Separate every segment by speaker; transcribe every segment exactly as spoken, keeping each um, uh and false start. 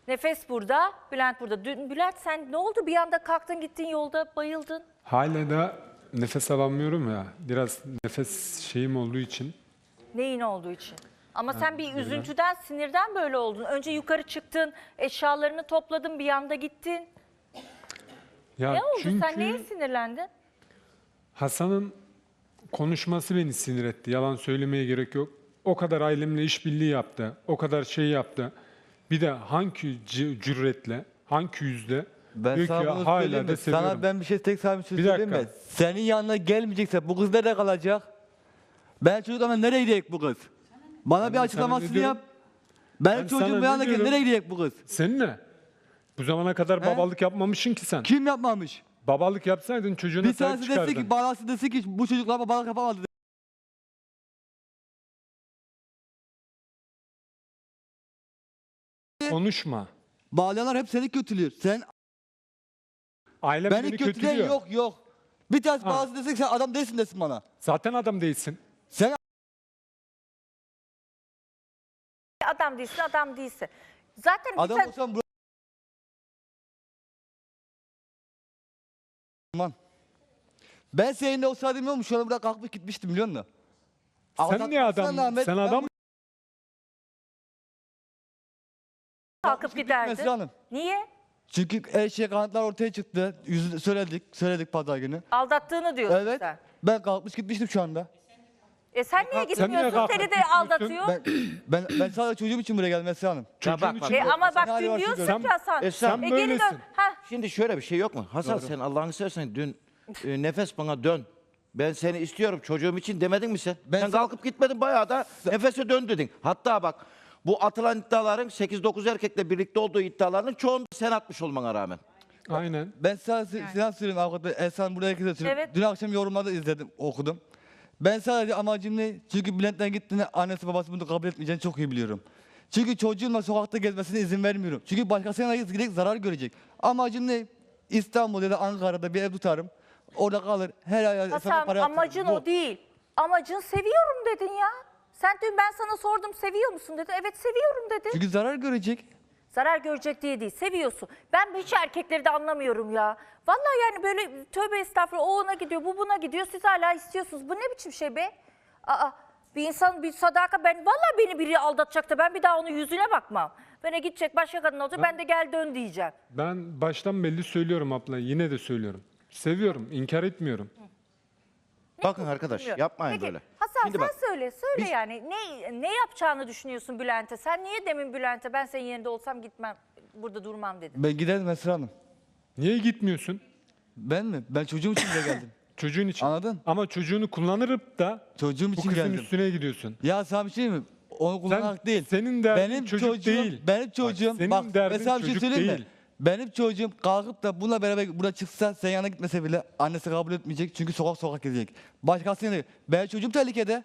Speaker 1: Nefes burada, Bülent burada. Dün Bülent sen ne oldu? Bir anda kalktın gittin yolda bayıldın.
Speaker 2: Hala da nefes alamıyorum ya. Biraz nefes şeyim olduğu için.
Speaker 1: Neyin olduğu için? Ama sen bir üzüntüden, sinirden böyle oldun. Önce yukarı çıktın, eşyalarını topladın, bir anda gittin.
Speaker 2: Ya
Speaker 1: Ne oldu?
Speaker 2: çünkü
Speaker 1: Sen neye sinirlendin?
Speaker 2: Hasan'ın konuşması beni sinir etti. Yalan söylemeye gerek yok. O kadar ailemle işbirliği yaptı. O kadar şey yaptı. Bir de hangi c- cüretle, hangi yüzle
Speaker 3: Ben
Speaker 2: diyor
Speaker 3: sana
Speaker 2: ki
Speaker 3: bunu
Speaker 2: hala
Speaker 3: söyleyeyim
Speaker 2: da
Speaker 3: mi?
Speaker 2: seviyorum.
Speaker 3: Sana ben bir şey tek sana bir şey
Speaker 2: Bir
Speaker 3: söyleyeyim mi?
Speaker 2: dakika.
Speaker 3: Senin yanına gelmeyecekse bu kız nerede kalacak? Ben çocuklarla nereye gidecek bu kız? Bana
Speaker 2: Ben
Speaker 3: bir
Speaker 2: sana
Speaker 3: açıklamasını
Speaker 2: ne diyorum?
Speaker 3: yap. Benim
Speaker 2: Ben sana
Speaker 3: çocuğum
Speaker 2: ne
Speaker 3: bu yanına
Speaker 2: diyorum?
Speaker 3: nereye gidecek bu kız?
Speaker 2: Seninle. Bu zamana kadar
Speaker 3: He?
Speaker 2: babalık yapmamışsın ki sen.
Speaker 3: Kim yapmamış?
Speaker 2: Babalık yapsaydın çocuğuna
Speaker 3: Bir
Speaker 2: sahip
Speaker 3: tanesi desin
Speaker 2: çıkardın.
Speaker 3: ki, balası desin ki bu çocuklar babalık yapamadı.
Speaker 2: Konuşma.
Speaker 3: Bağlayanlar hep seni kötülüyor. Sen
Speaker 2: Ailem
Speaker 3: beni
Speaker 2: beni
Speaker 3: kötüleyen
Speaker 2: kötülüyor.
Speaker 3: yok yok. Bir tanesi
Speaker 2: Ha.
Speaker 3: balası desin ki sen adam değilsin desin bana.
Speaker 2: Zaten adam değilsin.
Speaker 3: Sen
Speaker 1: Adam değilsin, adam değilsin. Zaten bir
Speaker 3: adam
Speaker 1: sen-
Speaker 3: olsan bu... Aman. Ben seninle olsaydım ne olmuş? Şu an buraya kalkmış gitmiştim biliyor musun?
Speaker 2: Sen niye adam?
Speaker 3: Ahmet,
Speaker 2: Sen
Speaker 3: ben
Speaker 2: adam
Speaker 3: bu-
Speaker 1: kalkıp giderdin.
Speaker 3: Mesra Hanım.
Speaker 1: Niye?
Speaker 3: Çünkü her şey kanıtlar ortaya çıktı. Yüzü söyledik, söyledik pazar günü.
Speaker 1: Aldattığını diyorsun
Speaker 3: Evet.
Speaker 1: sen.
Speaker 3: Ben kalkmış gitmiştim şu anda.
Speaker 1: E sen niye
Speaker 2: Sen niye
Speaker 1: gitmiyorsun?
Speaker 2: kalkıp
Speaker 1: Seni de
Speaker 2: gitmiyorsun?
Speaker 1: aldatıyor.
Speaker 3: Ben ben ben sadece çocuğum için buraya geldim Mesra Hanım.
Speaker 2: çocuğun
Speaker 4: bak, bak.
Speaker 2: için.
Speaker 1: E ama
Speaker 3: Sen
Speaker 1: bak
Speaker 3: hali
Speaker 1: dün
Speaker 3: varsın
Speaker 1: diyorsun
Speaker 2: gör.
Speaker 1: ki Hasan.
Speaker 4: E sen
Speaker 1: e geri dön.
Speaker 2: böylesin.
Speaker 1: Ha,
Speaker 4: Şimdi şöyle bir şey yok mu? Hasan sen Allah'ını seversen dün e, nefes bana dön. Ben seni istiyorum çocuğum için demedin mi sen?
Speaker 3: Ben
Speaker 4: sen
Speaker 3: sana-
Speaker 4: kalkıp gitmedin bayağı da nefese dön dedin. Hatta bak bu atılan iddiaların sekiz dokuz erkekle birlikte olduğu iddiaların çoğunu sen atmış olmana rağmen.
Speaker 2: Aynen.
Speaker 3: Ben sadece silah söyleyeyim avukatı. Esra burada herkese söyleyeyim.
Speaker 1: Evet.
Speaker 3: Dün akşam yorumlarda izledim, okudum. Ben sadece amacım ne? Çünkü Bülent'ten gittiğinde annesi babası bunu kabul etmeyeceğini çok iyi biliyorum. Çünkü çocuğumla sokakta gezmesine izin vermiyorum. Çünkü başkasına gidecek zarar görecek. Amacım ne? İstanbul ya da Ankara'da bir ev tutarım. Orada kalır. Her ay hesaba
Speaker 1: Hasan
Speaker 3: para yatırırım.
Speaker 1: amacın
Speaker 3: Bu.
Speaker 1: o değil. Amacın seviyorum dedin ya. Sen dün ben sana sordum seviyor musun dedi. Evet seviyorum dedi.
Speaker 3: Çünkü zarar görecek.
Speaker 1: Zarar görecek diye değil seviyorsun. Ben hiç erkekleri de anlamıyorum ya. Vallahi yani böyle tövbe estağfurullah o ona gidiyor bu buna gidiyor siz hala istiyorsunuz. Bu ne biçim şey be? Aa, bir insan bir sadaka ben vallahi beni biri aldatacak da ben bir daha onun yüzüne bakmam. Bana gidecek başka kadın olacak ben de gel dön diyeceğim.
Speaker 2: Ben baştan belli söylüyorum abla. Yine de söylüyorum. Seviyorum. İnkar etmiyorum.
Speaker 4: Bakın arkadaş
Speaker 1: Bilmiyorum.
Speaker 4: yapmayın
Speaker 1: Peki,
Speaker 4: böyle.
Speaker 1: Hasan
Speaker 4: Şimdi
Speaker 1: sen
Speaker 4: bak,
Speaker 1: söyle söyle
Speaker 4: biz-
Speaker 1: yani ne ne yapacağını düşünüyorsun Bülent'e? Sen niye demin Bülent'e ben senin yerinde olsam gitmem burada durmam dedin.
Speaker 3: Ben giderim Esra Hanım.
Speaker 2: Niye gitmiyorsun?
Speaker 3: Ben mi? Ben çocuğum için de geldim.
Speaker 2: Çocuğun için.
Speaker 3: Anladın?
Speaker 2: Ama çocuğunu kullanırıp da
Speaker 3: Çocuğum
Speaker 2: bu
Speaker 3: için
Speaker 2: kızın
Speaker 3: geldim.
Speaker 2: üstüne gidiyorsun.
Speaker 3: Ya sana bir şey mi? Onu kullanarak değil.
Speaker 2: senin derdin
Speaker 3: benim
Speaker 2: çocuk
Speaker 3: çocuğum,
Speaker 2: değil.
Speaker 3: Benim çocuğum,
Speaker 2: senin
Speaker 3: bak
Speaker 2: derdin
Speaker 3: mesela bir şey
Speaker 2: çocuk
Speaker 3: söyleyeyim mi?
Speaker 2: değil.
Speaker 3: Benim çocuğum kalkıp da bununla beraber buraya çıksa sen yanına gitmese bile annesi kabul etmeyecek çünkü sokak sokak gezecek. Başkasına değil. Ben çocuğum tehlikede.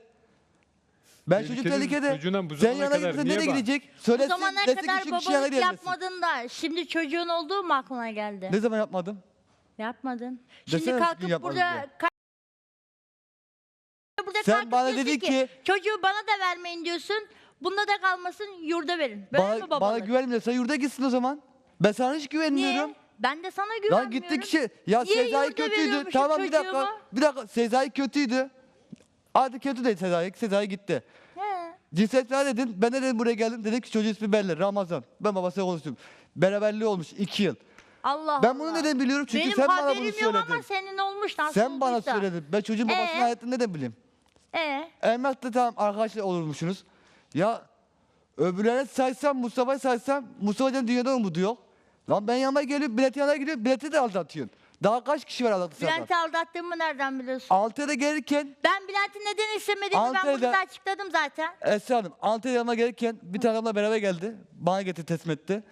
Speaker 3: Ben çocuk
Speaker 2: Tehlikeli
Speaker 3: tehlikede.
Speaker 2: çocuğuna bu
Speaker 3: Sen
Speaker 2: zamana
Speaker 3: yanına
Speaker 2: kadar
Speaker 3: gitmese
Speaker 2: niye
Speaker 3: nereye
Speaker 2: bak-
Speaker 3: gidecek?
Speaker 5: Bu
Speaker 3: Söylesin
Speaker 5: zamana
Speaker 3: desin ki
Speaker 5: kadar
Speaker 3: şu kişi yanına
Speaker 5: babalık
Speaker 3: gelmesin.
Speaker 5: yapmadın da şimdi çocuğun olduğu mu aklına geldi?
Speaker 3: Ne zaman yapmadım?
Speaker 5: Yapmadın.
Speaker 3: Desene
Speaker 5: Şimdi
Speaker 3: bir
Speaker 5: kalkıp
Speaker 3: gün yapmadım
Speaker 5: burada
Speaker 3: diye.
Speaker 5: ka- burada
Speaker 3: Sen
Speaker 5: kalkıp
Speaker 3: bana
Speaker 5: diyorsun
Speaker 3: dedin ki-
Speaker 5: çocuğu bana da vermeyin diyorsun. Bunda da kalmasın yurda verin. Böyle mi
Speaker 3: Bana, bana
Speaker 5: babalık?
Speaker 3: güvenmiyorsa yurda gitsin o zaman. Ben sana hiç güvenmiyorum.
Speaker 5: Niye? Ben de sana
Speaker 3: Lan
Speaker 5: güvenmiyorum.
Speaker 3: gitti kişi. Ya
Speaker 5: Niye
Speaker 3: Sezai
Speaker 5: yurda
Speaker 3: kötüydü.
Speaker 5: veriyormuşum
Speaker 3: Tamam bir dakika.
Speaker 5: çocuğumu?
Speaker 3: Bir dakika. Sezai kötüydü. Hadi kötü değil Sezai. Sezai gitti.
Speaker 5: He.
Speaker 3: Cinsiyetler dedin. Ben de dedim buraya geldim. Dedim ki çocuğun ismi belli. Ramazan. Ben babasıyla konuştum. Beraberliği olmuş iki yıl.
Speaker 5: Allah
Speaker 3: Ben
Speaker 5: Allah.
Speaker 3: bunu neden biliyorum? Çünkü
Speaker 5: Benim
Speaker 3: sen bana bunu
Speaker 5: haberim yok
Speaker 3: söyledin.
Speaker 5: ama senin olmuş nasıl
Speaker 3: Sen bana
Speaker 5: olduysa.
Speaker 3: söyledin. Ben çocuğun babasının
Speaker 5: Ee?
Speaker 3: hayatını neden bileyim?
Speaker 5: Ee?
Speaker 3: Emrah'la tamam arkadaşlar olurmuşsunuz. Ya öbürlerine saysam, Mustafa'yı saysam Mustafa'dan dünyada umudu yok. Lan ben yanıma geliyorum, bileti yanına gidiyorum, bileti de aldatıyorsun. Daha kaç kişi var aldattı zaten?
Speaker 5: Bülent'i aldattığımı nereden biliyorsun?
Speaker 3: Antalya'da gelirken,
Speaker 5: Ben Bülent'i neden istemediğimi ben
Speaker 3: Antalya'da-
Speaker 5: burada açıkladım zaten.
Speaker 3: Esra Hanım, Antalya'ya yanıma gelirken bir tane adamla beraber geldi. Bana getir teslim etti.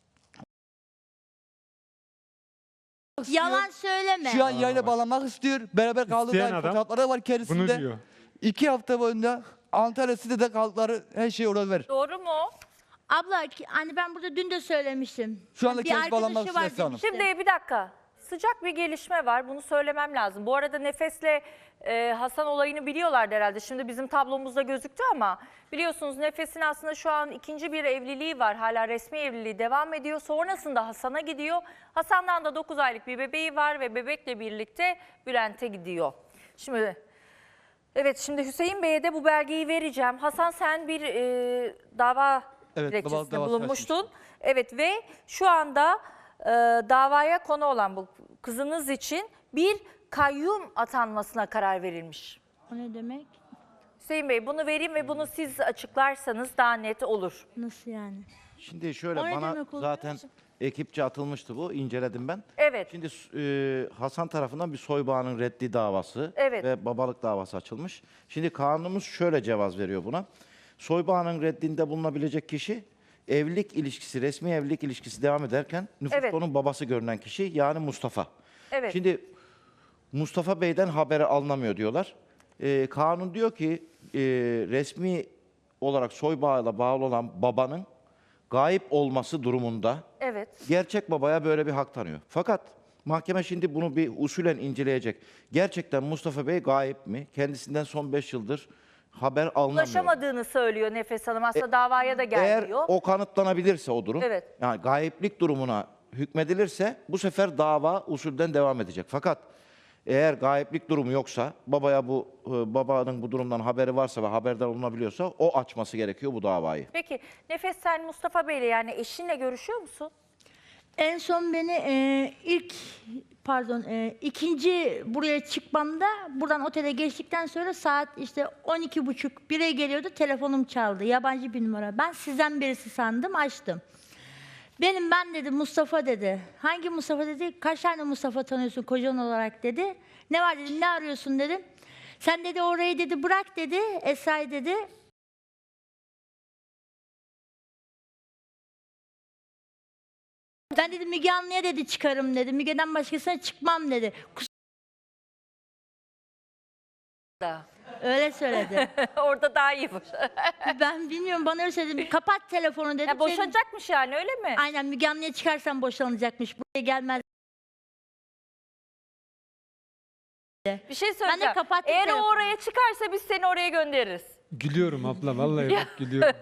Speaker 5: Yalan söyleme.
Speaker 3: Şu an yayına bağlanmak istiyor. Beraber kaldığı
Speaker 2: İsteyen
Speaker 3: dair
Speaker 2: adam
Speaker 3: fotoğrafları var kendisinde.
Speaker 2: Bunu diyor.
Speaker 3: İki hafta boyunca Antalya City'de kaldıkları her şeyi orada ver.
Speaker 1: Doğru mu?
Speaker 5: Abla ki- hani ben burada dün de söylemiştim.
Speaker 3: Şu anda
Speaker 5: bir
Speaker 3: kendisi bağlanmak
Speaker 5: arkadaşı var
Speaker 3: istiyor Esra Hanım.
Speaker 5: demiştim.
Speaker 1: Şimdi bir dakika. sıcak bir gelişme var. Bunu söylemem lazım. Bu arada Nefes'le e, Hasan olayını biliyorlardı herhalde. Şimdi bizim tablomuzda gözüktü ama biliyorsunuz Nefes'in aslında şu an ikinci bir evliliği var. Hala resmi evliliği devam ediyor. Sonrasında Hasan'a gidiyor. Hasan'dan da dokuz aylık bir bebeği var ve bebekle birlikte Bülent'e gidiyor. Şimdi evet, şimdi Hüseyin Bey'e de bu belgeyi vereceğim. Hasan, sen bir e, dava
Speaker 3: Evet,
Speaker 1: dilekçesinde
Speaker 3: davası
Speaker 1: bulunmuştun.
Speaker 3: açmıştım.
Speaker 1: Evet ve şu anda e, davaya konu olan bu kızınız için bir kayyum atanmasına karar verilmiş.
Speaker 5: O ne demek?
Speaker 1: Hüseyin Bey, bunu vereyim ve bunu siz açıklarsanız daha net olur.
Speaker 5: Nasıl yani?
Speaker 4: Şimdi şöyle
Speaker 5: O ne
Speaker 4: bana
Speaker 5: demek oluyor?
Speaker 4: zaten ekipçe atılmıştı bu. İnceledim ben.
Speaker 1: Evet.
Speaker 4: Şimdi e, Hasan tarafından bir soybağının reddi davası
Speaker 1: Evet.
Speaker 4: ve babalık davası açılmış. Şimdi kanunumuz şöyle cevaz veriyor buna. Soybağının reddinde bulunabilecek kişi evlilik ilişkisi, resmi evlilik ilişkisi devam ederken nüfusta
Speaker 1: Evet.
Speaker 4: onun babası görünen kişi yani Mustafa.
Speaker 1: Evet.
Speaker 4: Şimdi Mustafa Bey'den haberi alınamıyor diyorlar. Ee, kanun diyor ki e, resmi olarak soybağıyla bağlı olan babanın gayip olması durumunda
Speaker 1: Evet.
Speaker 4: gerçek babaya böyle bir hak tanıyor. Fakat mahkeme şimdi bunu bir usulen inceleyecek. Gerçekten Mustafa Bey gayip mi? Kendisinden son beş yıldır haber alınamıyor.
Speaker 1: Ulaşamadığını söylüyor Nefes Hanım. Aslında davaya da
Speaker 4: Eğer
Speaker 1: gelmiyor.
Speaker 4: o kanıtlanabilirse o durum,
Speaker 1: Evet.
Speaker 4: yani gayiplik durumuna hükmedilirse bu sefer dava usulden devam edecek. Fakat eğer gayiplik durumu yoksa, babaya bu e, babanın bu durumdan haberi varsa ve haberdar olunabiliyorsa o açması gerekiyor bu davayı.
Speaker 1: Peki Nefes, sen Mustafa Bey'le yani eşinle görüşüyor musun?
Speaker 5: En son beni e, ilk pardon e, ikinci buraya çıkmamda buradan otele geçtikten sonra saat işte on iki buçuk bire geliyordu, telefonum çaldı. Yabancı bir numara. Ben sizden birisi sandım, açtım. Benim ben dedi, Mustafa dedi. Hangi Mustafa dedi? Kaç tane Mustafa tanıyorsun kocan olarak dedi. Ne var dedim, ne arıyorsun dedim. Sen dedi orayı dedi bırak dedi, Esra'yı dedi. Ben dedi Müge Anlı'ya dedi çıkarım dedi. Müge'den başkasına çıkmam dedi. Kus-
Speaker 1: Da.
Speaker 5: Öyle söyledi.
Speaker 1: Orada daha iyi boş.
Speaker 5: Ben bilmiyorum, bana öyle söyledi. Kapat telefonu dedim.
Speaker 1: Ya boşanacakmış yani, öyle mi?
Speaker 5: Aynen, Müge Anlı'ya çıkarsan boşanacakmış. Buraya gelmez.
Speaker 1: Bir şey söyleyeceğim.
Speaker 5: kapattım
Speaker 1: Eğer o
Speaker 5: telefonu.
Speaker 1: oraya çıkarsa biz seni oraya göndeririz.
Speaker 2: Gülüyorum abla, vallahi bak gülüyorum.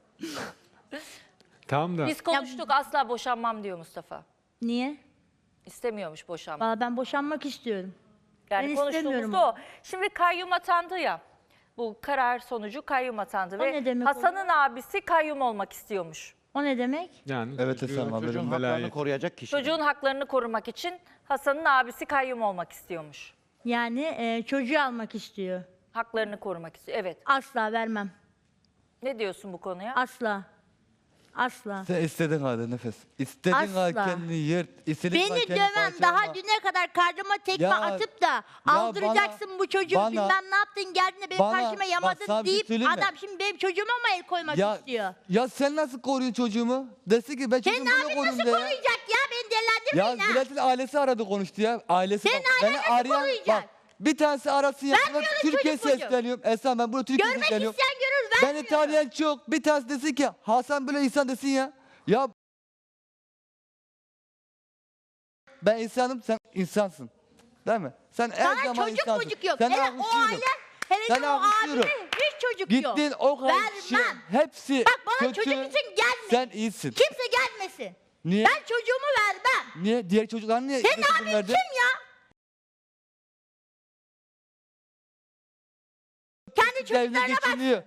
Speaker 2: Tamam da
Speaker 1: Biz konuştuk, asla boşanmam diyor Mustafa.
Speaker 5: Niye?
Speaker 1: İstemiyormuş boşanmak.
Speaker 5: Valla ben boşanmak istiyorum.
Speaker 1: Yani
Speaker 5: ben
Speaker 1: konuştuğumuzda
Speaker 5: istemiyorum.
Speaker 1: o. Şimdi kayyum atandı ya. Bu karar sonucu kayyum atandı
Speaker 5: O
Speaker 1: ve
Speaker 5: ne demek
Speaker 1: Hasan'ın abisi kayyum olmak istiyormuş.
Speaker 5: O ne demek?
Speaker 2: yani
Speaker 3: Evet,
Speaker 2: çocuğu-
Speaker 3: Esra Hanım,
Speaker 4: Çocuğun
Speaker 2: çocuğun
Speaker 4: haklarını
Speaker 2: velayeti.
Speaker 4: koruyacak kişi.
Speaker 1: Çocuğun haklarını korumak için Hasan'ın abisi kayyum olmak istiyormuş.
Speaker 5: Yani e, çocuğu almak istiyor.
Speaker 1: Haklarını korumak istiyor. Evet.
Speaker 5: Asla vermem.
Speaker 1: Ne diyorsun bu konuya?
Speaker 5: Asla. Asla.
Speaker 3: Sen istediğin halde Nefes. İstediğin
Speaker 5: Asla.
Speaker 3: halde kendini yırt. İstediğin halde
Speaker 5: Beni
Speaker 3: kendini
Speaker 5: döven,
Speaker 3: parçalama.
Speaker 5: daha düne kadar karnıma tekme
Speaker 3: Ya-
Speaker 5: atıp da aldıracaksın
Speaker 3: bana-
Speaker 5: bu çocuğu,
Speaker 3: bana-
Speaker 5: bilmem ne yaptın, geldin de benim
Speaker 3: bana-
Speaker 5: karşıma
Speaker 3: bak
Speaker 5: yamadın
Speaker 3: sana bir şey
Speaker 5: deyip
Speaker 3: söyleyeyim mi?
Speaker 5: adam şimdi benim çocuğuma mı el koymak
Speaker 3: Ya,
Speaker 5: istiyor?
Speaker 3: ya sen nasıl koruyorsun çocuğumu? Desin ki ben
Speaker 5: Senin
Speaker 3: çocuğumu böyle
Speaker 5: abin
Speaker 3: koruyayım
Speaker 5: nasıl
Speaker 3: de ya.
Speaker 5: koruyacak ya? Beni
Speaker 3: Ya
Speaker 5: delendirmeyin ha.
Speaker 3: Bülent'in ailesi aradı konuştu ya. Ailesi
Speaker 5: Senin
Speaker 3: bak,
Speaker 5: ailen
Speaker 3: beni
Speaker 5: nasıl
Speaker 3: arayan
Speaker 5: koruyacak?
Speaker 3: bak. Bir tanesi arasın ya. Ben
Speaker 5: Vermiyorum
Speaker 3: Türkiye
Speaker 5: çocuk çocuğu.
Speaker 3: sesleniyorum. Esra ben burada Türkiye
Speaker 5: Görmek
Speaker 3: sesleniyorum.
Speaker 5: isteyen görür,
Speaker 3: Beni
Speaker 5: vermiyorum.
Speaker 3: tanıyan çok. Bir tanesi desin ki Hasan böyle insan desin ya. Ya ben insanım, sen insansın. Değil mi? Sen her
Speaker 5: Sana
Speaker 3: zaman
Speaker 5: çocuk
Speaker 3: insansın.
Speaker 5: çocuk yok.
Speaker 3: Seni
Speaker 5: Hele o
Speaker 3: alkışlıyorum.
Speaker 5: aile, hele
Speaker 3: Seni
Speaker 5: de o
Speaker 3: alkışlıyorum.
Speaker 5: abime hiç çocuk yok.
Speaker 3: Gittin o kadar kişi,
Speaker 5: Vermem.
Speaker 3: hepsi
Speaker 5: Bak bana
Speaker 3: kötü.
Speaker 5: çocuk için gelme.
Speaker 3: Sen iyisin.
Speaker 5: Kimse gelmesin.
Speaker 3: Niye?
Speaker 5: Ben çocuğumu vermem.
Speaker 3: Niye? Diğer çocuklar niye?
Speaker 5: Senin
Speaker 3: götürdün,
Speaker 5: abin
Speaker 3: verdin?
Speaker 5: kim ya? Kendi
Speaker 3: Evine
Speaker 5: çocuklarına bak.
Speaker 3: geçiniyor.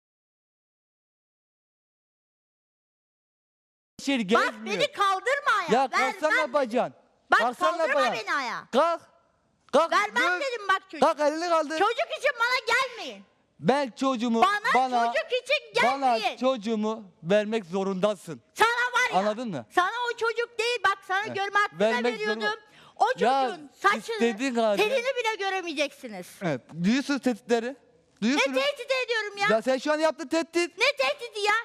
Speaker 3: Şey
Speaker 5: Bak
Speaker 3: gezmiyor.
Speaker 5: beni kaldırma ayağa.
Speaker 3: Ya kalksana
Speaker 5: Vermem.
Speaker 3: yapacaksın.
Speaker 5: Bak
Speaker 3: Kalksana
Speaker 5: kaldırma
Speaker 3: yapacaksın.
Speaker 5: beni ayağa.
Speaker 3: Kalk. Kalk.
Speaker 5: Vermem
Speaker 3: dön.
Speaker 5: dedim bak çocuk.
Speaker 3: Kalk elini kaldır.
Speaker 5: Çocuk için bana gelmeyin.
Speaker 3: Ben çocuğumu
Speaker 5: Bana,
Speaker 3: bana,
Speaker 5: çocuk için
Speaker 3: bana
Speaker 5: gelmeyin.
Speaker 3: çocuğumu vermek zorundasın.
Speaker 5: Sana var ya.
Speaker 3: Anladın mı?
Speaker 5: Sana o çocuk değil, bak sana
Speaker 3: Evet.
Speaker 5: görme hakkı da
Speaker 3: Vermek
Speaker 5: veriyordum.
Speaker 3: zorunda-
Speaker 5: O
Speaker 3: Ya,
Speaker 5: çocuğun saçını,
Speaker 3: istediğin halde-
Speaker 5: telini bile göremeyeceksiniz.
Speaker 3: Evet. Duyuyorsunuz tehditleri.
Speaker 5: Ne
Speaker 3: Duyuyorsunuz.
Speaker 5: tehdit ediyorum ya?
Speaker 3: Ya sen şu an yaptığın tehdit.
Speaker 5: Ne tehdidi ya?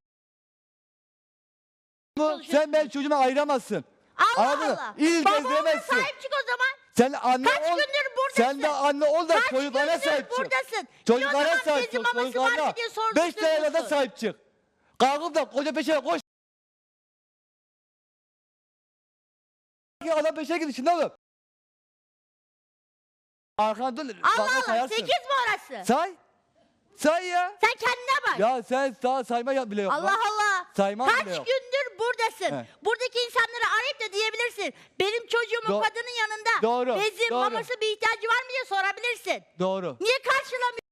Speaker 3: Bu, sen ben çocuğuma ayıramazsın.
Speaker 5: Allah
Speaker 3: Anladın mı?
Speaker 5: Allah.
Speaker 3: İl
Speaker 5: Babama
Speaker 3: gezdiremezsin.
Speaker 5: sahip çık o zaman.
Speaker 3: Sen anne
Speaker 5: Kaç
Speaker 3: ol.
Speaker 5: gündür buradasın?
Speaker 3: Sen de anne ol da
Speaker 5: Kaç
Speaker 3: çocuklara
Speaker 5: gündür
Speaker 3: sahip çık.
Speaker 5: buradasın?
Speaker 3: Çocuklara
Speaker 5: Bir o zaman
Speaker 3: sahip
Speaker 5: bezin
Speaker 3: çık.
Speaker 5: maması var
Speaker 3: Çocuklara.
Speaker 5: mı diye sordurtuyorsun.
Speaker 3: Beş tane de sahip çık. Kalkıp da koca peşine koş. ki adam peşine gidiyor şimdi oğlum. Arkana dön.
Speaker 5: Allah
Speaker 3: bakma
Speaker 5: Allah
Speaker 3: sayarsın.
Speaker 5: sekiz mi orası?
Speaker 3: Say. Say ya.
Speaker 5: Sen kendine bak.
Speaker 3: Ya sen sağ sayma ya bile yok.
Speaker 5: Allah
Speaker 3: lan.
Speaker 5: Allah.
Speaker 3: Sayman
Speaker 5: Kaç
Speaker 3: bile yok.
Speaker 5: gündür buradasın.
Speaker 3: He.
Speaker 5: Buradaki insanları arayıp da diyebilirsin. Benim çocuğumun
Speaker 3: Do-
Speaker 5: kadının yanında
Speaker 3: Doğru,
Speaker 5: bezin,
Speaker 3: doğru.
Speaker 5: maması bir ihtiyacı var mı diye sorabilirsin.
Speaker 3: Doğru.
Speaker 5: Niye karşılamıyorsun?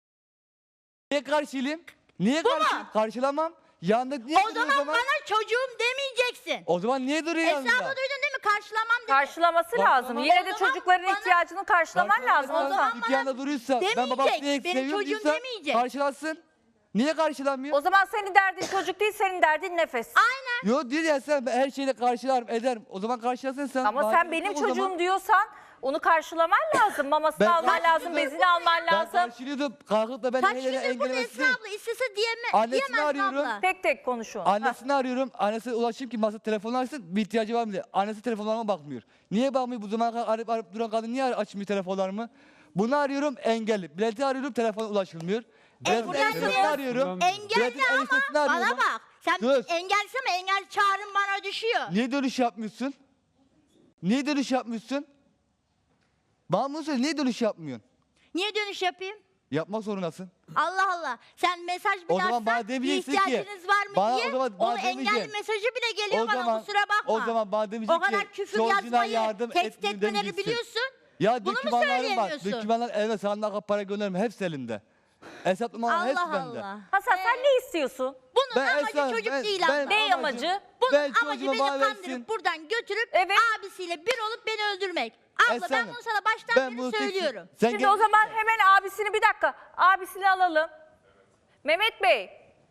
Speaker 3: Niye karşılayayım? Niye
Speaker 5: Bu mu?
Speaker 3: karşılayayım? Karşılamam. Yanında niye
Speaker 5: O
Speaker 3: duruyor
Speaker 5: zaman bana çocuğum demeyeceksin.
Speaker 3: O zaman niye duruyor yanında?
Speaker 5: Hesabı duydun değil mi? Karşılamam dedi.
Speaker 1: Karşılaması
Speaker 3: Bak,
Speaker 1: lazım.
Speaker 3: ama-
Speaker 1: Yine
Speaker 5: o
Speaker 1: de
Speaker 5: zaman
Speaker 1: çocukların
Speaker 5: bana-
Speaker 1: ihtiyacını karşılaman lazım.
Speaker 5: o
Speaker 1: Ozan.
Speaker 5: zaman
Speaker 3: İki yanda duruyorsa ben
Speaker 5: demeyecek,
Speaker 3: babasını niye
Speaker 5: benim
Speaker 3: seviyorum
Speaker 5: çocuğum
Speaker 3: diyorsa
Speaker 5: demeyecek.
Speaker 3: karşılasın. Niye karşılamıyor?
Speaker 1: O zaman senin derdin çocuk değil, senin derdin nefes.
Speaker 5: Aynen.
Speaker 3: Yok diyor ya sen ben her şeyle karşılarım ederim. O zaman karşılasın sen.
Speaker 1: Ama
Speaker 3: Bana
Speaker 1: sen
Speaker 3: gerek
Speaker 1: benim
Speaker 3: yok o zaman.
Speaker 1: çocuğum diyorsan onu karşılaman lazım. Mamasını
Speaker 3: Ben
Speaker 1: alman lazım,
Speaker 3: karşılıyordum.
Speaker 1: bezini alman
Speaker 3: Ben
Speaker 1: lazım.
Speaker 3: karşılıyordum. Kalkıp da ben
Speaker 5: Kaç
Speaker 3: el ele
Speaker 5: gündür burada
Speaker 3: engellemesi
Speaker 5: Esra
Speaker 3: değil.
Speaker 5: abla istese diyeme,
Speaker 3: Annesini
Speaker 5: diyemez mi
Speaker 3: arıyorum.
Speaker 5: abla?
Speaker 1: Tek tek konuşun. Hah.
Speaker 3: Annesini arıyorum. Annesine ulaşayım ki masa telefonu açsın. Bir ihtiyacı var mı diye. Annesi telefonlarıma bakmıyor. Niye bakmıyor? Bu zamana kadar arayıp arayıp duran kadın niye açmıyor telefonlarımı? Bunu arıyorum engelli. Bilet'i arıyorum telefona ulaşılmıyor. Bilet'in
Speaker 5: Engelli.
Speaker 3: eniştesini arıyorum.
Speaker 2: Engelli
Speaker 3: Bilet'in
Speaker 5: Engelli ama
Speaker 3: eniştesini
Speaker 5: bana
Speaker 3: arıyorum.
Speaker 5: bak. Sen
Speaker 3: Dur.
Speaker 5: engellisin ama engel çağrın bana düşüyor.
Speaker 3: Niye dönüş yapmıyorsun? Niye dönüş yapmıyorsun? Bana bunu söyle. Niye dönüş yapmıyorsun?
Speaker 5: Niye dönüş yapayım?
Speaker 3: Yapmak zorundasın.
Speaker 5: Allah Allah. Sen mesaj bile
Speaker 3: O zaman
Speaker 5: atsan
Speaker 3: bana
Speaker 5: bir
Speaker 3: demeyeceksin ki,
Speaker 5: ihtiyacınız var mı
Speaker 3: bana-
Speaker 5: diye
Speaker 3: o zaman bana
Speaker 5: o engelli
Speaker 3: demeyeceksin.
Speaker 5: mesajı bile geliyor
Speaker 3: O
Speaker 5: bana
Speaker 3: zaman-
Speaker 5: kusura bakma.
Speaker 3: o zaman bana demeyecek
Speaker 5: O kadar
Speaker 3: ki,
Speaker 5: küfür
Speaker 3: çocuğuna
Speaker 5: yazmayı,
Speaker 3: yardım
Speaker 5: tehdit
Speaker 3: etmiyorum
Speaker 5: etmeleri
Speaker 3: demeyeceksin.
Speaker 5: biliyorsun.
Speaker 3: Ya
Speaker 5: Bunu mu
Speaker 3: dokümanlarım var.
Speaker 5: söyleyemiyorsun?
Speaker 3: Dokümanlar elime sağına para gönderirim. Hepsi elimde. Hesap numaraları hepsi
Speaker 5: Allah
Speaker 3: bende.
Speaker 5: Allah.
Speaker 1: Hasan sen ne istiyorsun?
Speaker 5: Bunun
Speaker 3: Ben
Speaker 5: amacı
Speaker 3: Esra-
Speaker 5: çocuk
Speaker 3: ben-
Speaker 5: değil
Speaker 3: ben-
Speaker 5: abla.
Speaker 1: Ne amacı?
Speaker 5: Bunun
Speaker 3: Ben
Speaker 5: amacı
Speaker 3: çocuğuma
Speaker 5: beni
Speaker 3: bağ
Speaker 5: kandırıp
Speaker 3: versin.
Speaker 5: buradan götürüp
Speaker 1: Evet.
Speaker 5: abisiyle bir olup beni öldürmek. Abla
Speaker 3: Esra
Speaker 5: ben
Speaker 3: Hanım,
Speaker 5: bunu sana baştan
Speaker 3: ben
Speaker 5: beri
Speaker 3: bunu tek-
Speaker 5: söylüyorum.
Speaker 3: Sen
Speaker 1: Şimdi
Speaker 3: gel-
Speaker 1: o zaman hemen abisini bir dakika. Abisini alalım. Mehmet Bey,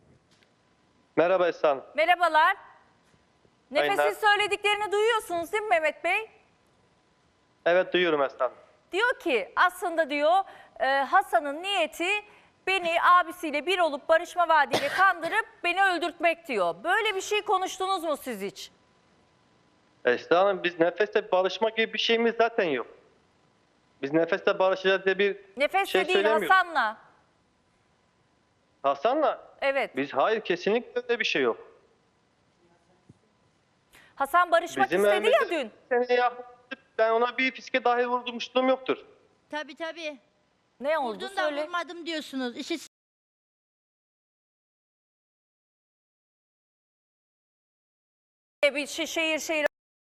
Speaker 6: Merhaba Esra Hanım.
Speaker 1: merhabalar. Nefesin
Speaker 6: Aynen.
Speaker 1: söylediklerini duyuyorsunuz değil mi Mehmet Bey?
Speaker 6: Evet duyuyorum Esra Hanım.
Speaker 1: Diyor ki aslında diyor e, Hasan'ın niyeti beni abisiyle bir olup barışma vaadiyle kandırıp beni öldürtmek diyor. Böyle bir şey konuştunuz mu siz hiç?
Speaker 6: Esra Hanım biz nefeste barışma gibi bir şeyimiz zaten yok. Biz nefeste barışacağız diye bir
Speaker 1: Nefesle
Speaker 6: şey
Speaker 1: değil
Speaker 6: söylemiyoruz.
Speaker 1: Hasan'la.
Speaker 6: Hasan'la
Speaker 1: Evet.
Speaker 6: biz hayır kesinlikle öyle bir şey yok.
Speaker 1: Hasan barışmak istedi ya
Speaker 6: evimizde
Speaker 1: dün.
Speaker 6: Seni yaklaşıp ben ona bir fiske dahi vurmuşluğum yoktur.
Speaker 5: Tabii tabii.
Speaker 1: Ne oldu
Speaker 5: Vurdun da
Speaker 1: söyle.
Speaker 5: vurmadım diyorsunuz. İşte
Speaker 1: Bir şey, şehir şehir.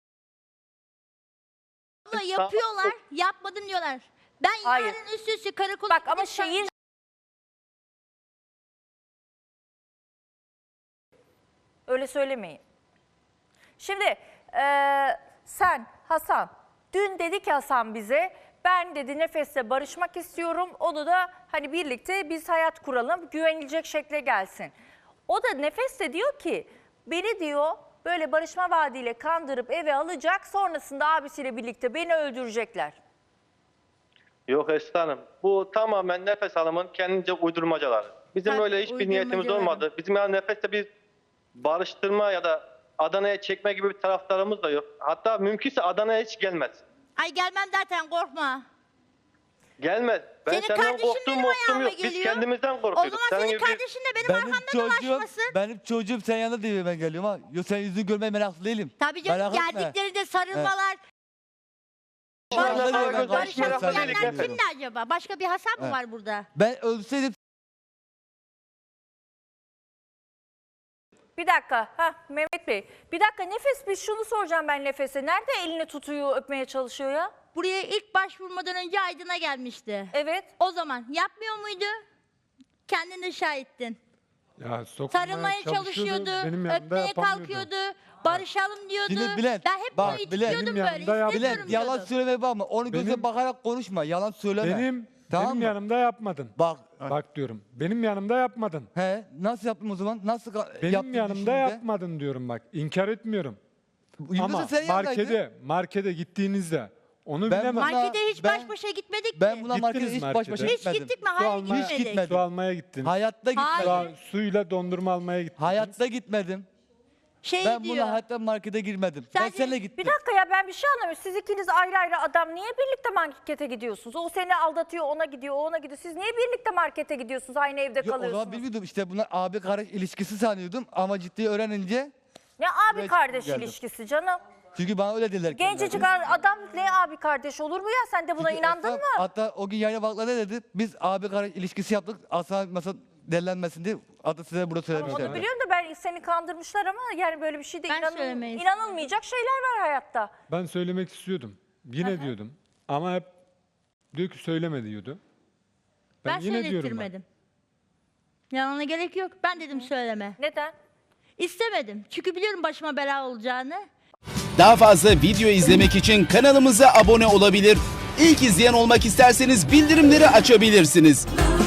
Speaker 5: abla yapıyorlar, yapmadım diyorlar. Ben
Speaker 1: Hayır.
Speaker 5: yarın üst üste karakola
Speaker 1: Bak ama
Speaker 5: gidip sana-
Speaker 1: şehir öyle söylemeyin. Şimdi eee, sen Hasan dün dedi ki Hasan bize ben dedi Nefes'le barışmak istiyorum. Onu da hani birlikte biz hayat kuralım güvenilecek şekle gelsin. O da Nefes de diyor ki beni diyor böyle barışma vaadiyle kandırıp eve alacak sonrasında abisiyle birlikte beni öldürecekler.
Speaker 6: Yok Esra Hanım. Bu tamamen Nefes Hanım'ın kendince uydurmacaları. Bizim
Speaker 5: Tabii,
Speaker 6: öyle hiçbir niyetimiz
Speaker 5: uydurmacaları.
Speaker 6: olmadı. Bizim yani Nefes'te bir barıştırma ya da Adana'ya çekme gibi bir taraftarımız da yok. Hatta mümkünse Adana'ya hiç gelmez.
Speaker 5: Ay gelmem zaten korkma.
Speaker 6: Gelmez. Ben
Speaker 5: Senin
Speaker 6: senden
Speaker 5: kardeşin
Speaker 6: korktuğum
Speaker 5: benim
Speaker 6: korktuğum
Speaker 5: ayağıma
Speaker 6: yok. Biz
Speaker 5: geliyor.
Speaker 6: kendimizden
Speaker 5: O
Speaker 6: korkuyorduk.
Speaker 5: zaman
Speaker 6: Senin
Speaker 5: senin
Speaker 6: gibi bir-
Speaker 5: kardeşin de benim,
Speaker 3: Benim
Speaker 5: arkamdan
Speaker 3: çocuğum,
Speaker 5: dolaşmasın.
Speaker 3: benim çocuğum sen yanında diye ben geliyorum ha. Yok sen yüzünü görmeye meraklı değilim.
Speaker 5: Tabii canım
Speaker 3: Merak etme.
Speaker 5: geldiklerinde sarılmalar.
Speaker 3: Yanında
Speaker 6: Barışalım,
Speaker 3: diye ben
Speaker 6: barışalım,
Speaker 5: Barışalım
Speaker 3: konuşuyorum, sen
Speaker 6: barışalım.
Speaker 5: diyenler
Speaker 3: yanında
Speaker 6: Barışalım.
Speaker 3: geliyorum.
Speaker 5: kimdi acaba? Başka bir Hasan mı
Speaker 3: Evet.
Speaker 5: var burada?
Speaker 3: Ben ölseydim
Speaker 1: Bir dakika. Ha Mehmet Bey. Bir dakika Nefes bir şunu soracağım ben Nefes'e. Nerede elini tutuyor, öpmeye çalışıyor ya?
Speaker 5: Buraya ilk başvurmadan önce Aydın'a gelmişti.
Speaker 1: Evet.
Speaker 5: O zaman yapmıyor muydu? Kendin de şahittin.
Speaker 2: Ya sokmaya
Speaker 5: Sarılmaya çalışıyordu,
Speaker 2: benim yanımda
Speaker 5: öpmeye
Speaker 2: yapamıyordu.
Speaker 5: kalkıyordu, barışalım diyordu.
Speaker 3: Şimdi Bülent,
Speaker 5: ben hep
Speaker 3: bak,
Speaker 5: bunu
Speaker 3: Bülent,
Speaker 5: istiyordum
Speaker 2: benim
Speaker 5: böyle,
Speaker 2: yanımda yap-
Speaker 5: istemiyorum
Speaker 3: Bülent yalan
Speaker 5: diyordum.
Speaker 3: söyleme bakma. Onu göze
Speaker 2: Benim-
Speaker 3: bakarak konuşma. Yalan söyleme.
Speaker 2: Benim
Speaker 3: Tamam
Speaker 2: benim
Speaker 3: mı?
Speaker 2: yanımda yapmadın.
Speaker 3: Bak.
Speaker 2: Bak diyorum. Benim yanımda yapmadın.
Speaker 3: He, nasıl yaptım o zaman? Nasıl ka-
Speaker 2: Benim
Speaker 3: yaptın
Speaker 2: yanımda
Speaker 3: düşünce?
Speaker 2: yapmadın diyorum bak. İnkar etmiyorum.
Speaker 3: Yıldız'ın
Speaker 2: Ama
Speaker 3: senin yanındaydın.
Speaker 2: markete markete gittiğinizde onu
Speaker 3: Ben
Speaker 2: bilemem.
Speaker 3: buna-
Speaker 5: Markete hiç
Speaker 3: Ben-
Speaker 5: baş başa gitmedik
Speaker 3: Ben
Speaker 5: mi?
Speaker 3: buna
Speaker 2: Gittiniz
Speaker 3: markete hiç baş
Speaker 2: markete.
Speaker 3: başa
Speaker 5: Hiç
Speaker 3: gitmedim.
Speaker 5: gittik mi?
Speaker 2: Su
Speaker 5: Hayır
Speaker 2: almaya-
Speaker 3: Hiç
Speaker 5: gitmedik.
Speaker 3: gitmedim.
Speaker 2: Su almaya gittiniz.
Speaker 3: Hayatta gitmedim.
Speaker 5: Hayır.
Speaker 2: Su- suyla dondurma almaya gittiniz.
Speaker 3: Hayatta gitmedim.
Speaker 5: Şey
Speaker 3: Ben
Speaker 5: diyor.
Speaker 3: buna hayatta markete girmedim. ben
Speaker 5: Sadece-
Speaker 3: seninle gittim.
Speaker 1: Bir dakika ya ben bir şey anlamıyorum. Siz ikiniz ayrı ayrı adam niye birlikte markete gidiyorsunuz? O seni aldatıyor, ona gidiyor, o ona gidiyor. Siz niye birlikte markete gidiyorsunuz? Aynı evde
Speaker 3: Yok, o
Speaker 1: kalıyorsunuz.
Speaker 3: zaman bilmiyordum. İşte bunlar abi kardeş ilişkisi sanıyordum ama ciddi öğrenince
Speaker 1: Ne abi
Speaker 3: Evet,
Speaker 1: kardeş
Speaker 3: geldim.
Speaker 1: ilişkisi canım?
Speaker 3: Çünkü bana öyle dediler.
Speaker 1: Gencecik
Speaker 3: kendileri.
Speaker 1: adam ne abi kardeş olur mu ya? Sen de buna
Speaker 3: Çünkü
Speaker 1: inandın
Speaker 3: Esra-
Speaker 1: mı?
Speaker 3: Hatta o gün yayına bakla ne dedi? Biz abi kardeş ilişkisi yaptık. Asla mesela dellenmesin diye adı size burada söylemişler.
Speaker 1: Onu biliyorum da ben seni kandırmışlar ama yani böyle bir şey de
Speaker 5: Ben
Speaker 1: inanıl-
Speaker 5: söylemeyi
Speaker 1: inanılmayacak şeyler var hayatta.
Speaker 2: Ben söylemek istiyordum. Yine diyordum. Ama hep diyor ki söyleme diyordu.
Speaker 5: Ben,
Speaker 2: Ben, yine diyorum bak.
Speaker 5: söylettirmedim. Yalana gerek yok. Ben dedim söyleme.
Speaker 1: Neden?
Speaker 5: İstemedim. Çünkü biliyorum başıma bela olacağını.
Speaker 7: Daha fazla video izlemek için kanalımıza abone olabilir. İlk izleyen olmak isterseniz bildirimleri açabilirsiniz.